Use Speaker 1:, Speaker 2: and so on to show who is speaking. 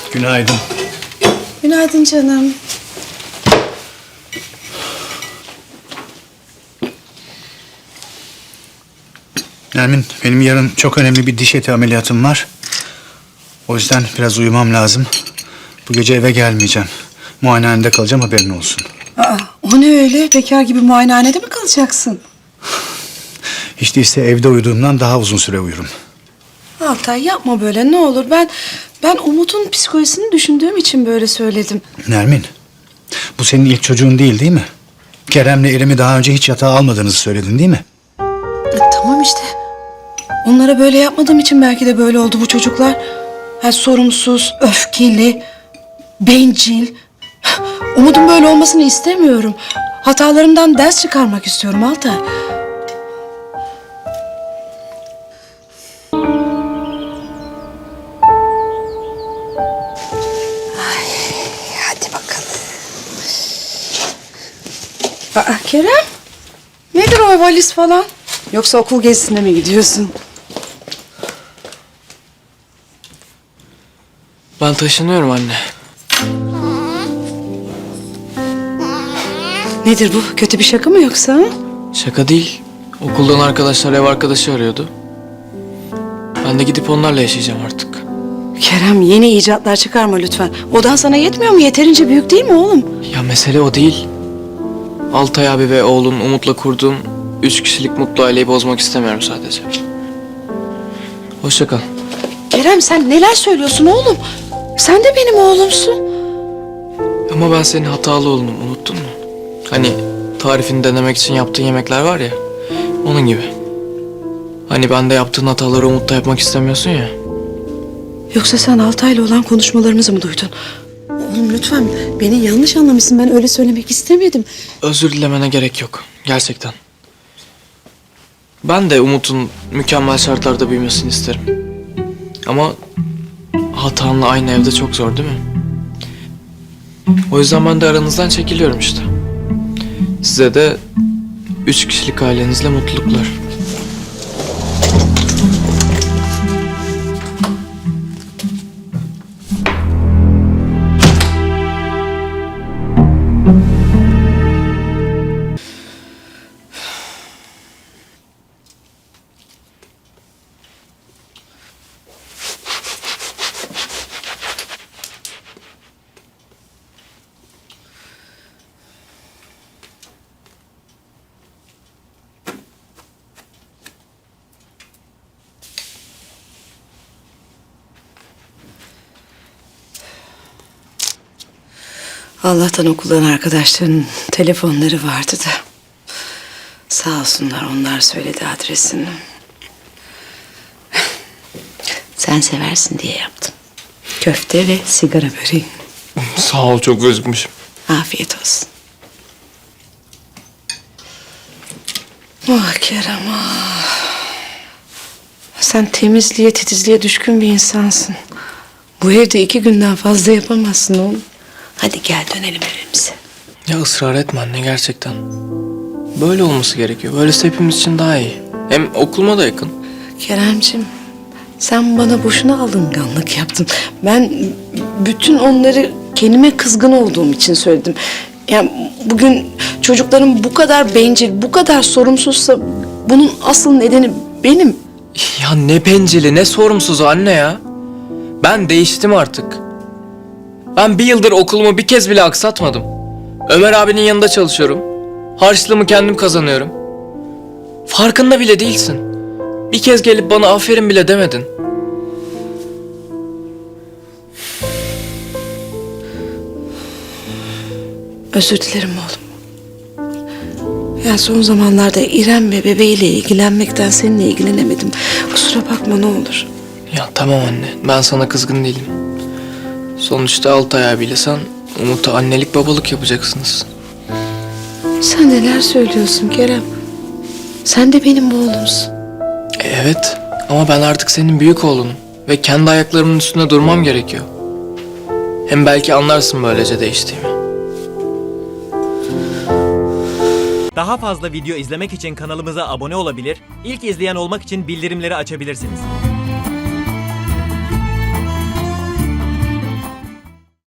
Speaker 1: Günaydın.
Speaker 2: Günaydın canım.
Speaker 1: Nermin, benim yarın çok önemli bir diş eti ameliyatım var. O yüzden biraz uyumam lazım. Bu gece eve gelmeyeceğim. Muayenehanede kalacağım, haberin olsun.
Speaker 2: Aa, o ne öyle? Bekar gibi muayenehanede mi kalacaksın?
Speaker 1: Hiç değilse evde uyuduğumdan daha uzun süre uyurum.
Speaker 2: Altay yapma böyle ne olur. Ben Umut'un psikolojisini düşündüğüm için böyle söyledim.
Speaker 1: Nermin, bu senin ilk çocuğun değil mi? Kerem'le İrem'i daha önce hiç yatağa almadığınızı söyledin değil mi?
Speaker 2: Tamam işte. Onlara böyle yapmadığım için belki de böyle oldu bu çocuklar. Ha, sorumsuz, öfkeli, bencil. Umut'un böyle olmasını istemiyorum. Hatalarımdan ders çıkarmak istiyorum Altay. Hadi bakalım. Aa, Kerem. Nedir o valiz falan? Yoksa okul gezisine mi gidiyorsun?
Speaker 3: Ben taşınıyorum anne.
Speaker 2: Nedir bu? Kötü bir şaka mı yoksa? Ha?
Speaker 3: Şaka değil. Okuldan arkadaşlar ev arkadaşı arıyordu. Ben de gidip onlarla yaşayacağım artık.
Speaker 2: Kerem yeni icatlar çıkarma lütfen. Odan sana yetmiyor mu? Yeterince büyük değil mi oğlum?
Speaker 3: Ya mesele o değil. Altay abi ve oğlum Umut'la kurduğum 3 kişilik mutlu aileyi bozmak istemiyorum sadece. Hoşça kal.
Speaker 2: Kerem sen neler söylüyorsun oğlum? Sen de benim oğlumsun.
Speaker 3: Ama ben senin hatalı oğlunum, unuttun mu? Hani tarifini denemek için yaptığın yemekler var ya, onun gibi. Hani ben de yaptığın hataları Umut'ta yapmak istemiyorsun ya.
Speaker 2: Yoksa sen Altay'la olan konuşmalarımızı mı duydun? Oğlum lütfen beni yanlış anlamışsın. Ben öyle söylemek istemedim.
Speaker 3: Özür dilemene gerek yok. Gerçekten. Ben de Umut'un mükemmel şartlarda büyümesini isterim. Ama hatanla aynı evde çok zor değil mi? O yüzden ben de aranızdan çekiliyorum işte. Size de 3 kişilik ailenizle mutluluklar.
Speaker 2: Allah'tan okuldan arkadaşların telefonları vardı da. Sağ olsunlar onlar söyledi adresini. Sen seversin diye yaptım. Köfte ve sigara böreği.
Speaker 3: Sağ ol, çok özgürmüşüm.
Speaker 2: Afiyet olsun. Ah Kerem ah. Sen temizliğe, titizliğe düşkün bir insansın. Bu evde 2 günden fazla yapamazsın oğlum. Hadi gel dönelim evimize.
Speaker 3: Ya ısrar etme anne, gerçekten. Böyle olması gerekiyor. Böylesi hepimiz için daha iyi. Hem okuluma da yakın.
Speaker 2: Keremciğim, sen bana boşuna alınganlık yaptın. Ben bütün onları kendime kızgın olduğum için söyledim. Yani bugün çocuklarım bu kadar bencil, bu kadar sorumsuzsa bunun asıl nedeni benim.
Speaker 3: Ya ne bencili, ne sorumsuzu anne ya. Ben değiştim artık. Ben 1 yıldır okulumu bir kez bile aksatmadım. Ömer abinin yanında çalışıyorum. Harçlığımı kendim kazanıyorum. Farkında bile değilsin. Bir kez gelip bana aferin bile demedin.
Speaker 2: Özür dilerim oğlum. Ya son zamanlarda İrem ve bebeğiyle ilgilenmekten seninle ilgilenemedim. Kusura bakma ne olur.
Speaker 3: Ya tamam anne, ben sana kızgın değilim. Sonuçta Altay abiyle sen Umut'a annelik babalık yapacaksınız.
Speaker 2: Sen neler söylüyorsun Kerem? Sen de benim oğlumsun.
Speaker 3: Evet, ama ben artık senin büyük oğlunum. Ve kendi ayaklarımın üstünde durmam gerekiyor. Hem belki anlarsın böylece değiştiğimi.
Speaker 4: Daha fazla video izlemek için kanalımıza abone olabilir, ilk izleyen olmak için bildirimleri açabilirsiniz.